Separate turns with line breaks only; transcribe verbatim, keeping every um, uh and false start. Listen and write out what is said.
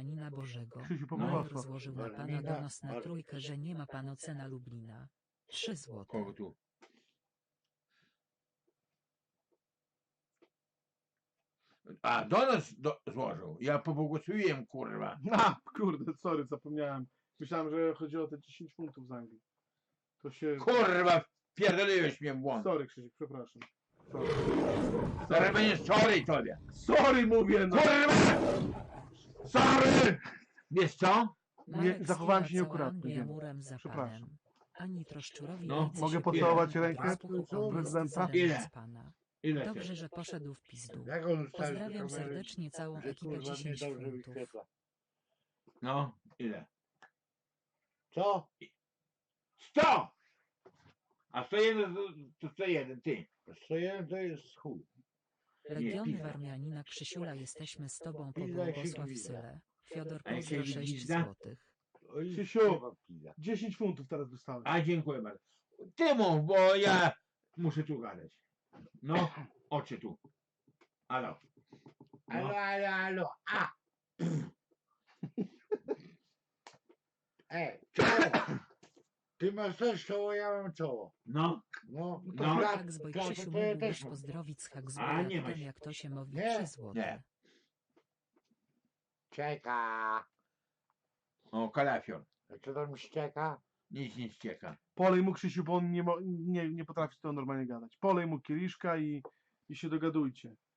Warmianina Bożego.
Krzysiu, po
Major
prostu.
złożył na pana
Warmina,
donos na
War-
trójkę, że nie ma pan ocena Lublina. Trzy złote.
Kogo tu? A, do nas do, złożył. Ja pobłogosławiłem, kurwa.
A, kurde, sorry, zapomniałem. Myślałem, że chodzi o te dziesięć funtów z Anglii. To się...
Kurwa, pierdoliłeś mnie w błąd.
Sorry, Krzysiek, przepraszam. Sorry.
Zaraz będziesz sorry tobie.
Sorry mówię, no!
Kurwa! Sorry! Wiesz co?
Marek
zachowałem się
zbiera
nieakuratnie,
całą
wiem.
murem za
Przepraszam.
panem. Ani troszczurowi
No,
ręce
mogę
się
pocałować
podał,
rękę
posłuchał
prezydenta?
jest
Ile?
zależy z pana.
Ile
Dobrze,
chcesz?
że poszedł w pizdu.
Jak on ustawił
Pozdrawiam
kamerę,
serdecznie całą
że
ekipę
kurwa mnie
dziesięć
dobrze
funtów.
wyświetla.
No, ile?
Co?
Sto! A sto jeden to sto jeden, ty.
sto jeden to jest chuj.
Legiony
pizda.
Warmianina Krzysiula, jesteśmy z tobą po
Pizda się
Błogosław
pizda.
Syle. Fiodor
A jak
Pozdro
się
sześć
pizda?
złotych.
Oj,
Krzysiu.
kurwa, pizda.
dziesięć funtów teraz dostałem.
A dziękuję bardzo. Ty mów, bo ja muszę tu gadać. No, oczy tu. Alo.
Alo,
No.
alo, alo, a! Ej, czoło! Ty masz też czoło, ja mam czoło.
No,
No, to
No.
klat-
Tak z
klatę
Bojkrzysiu
to ja
mógłbyś
też mam.
pozdrowić z
A,
Haksburga,
nie ma
tym
się.
jak to się mówi
Nie.
trzy złote.
Nie.
Czeka.
o, kalafior.
A co tam ścieka?
Nic nie ścieka.
Polej mu, Krzysiu, bo on nie, mo- nie, nie potrafi z tego normalnie gadać. Polej mu kieliszka i, i się dogadujcie.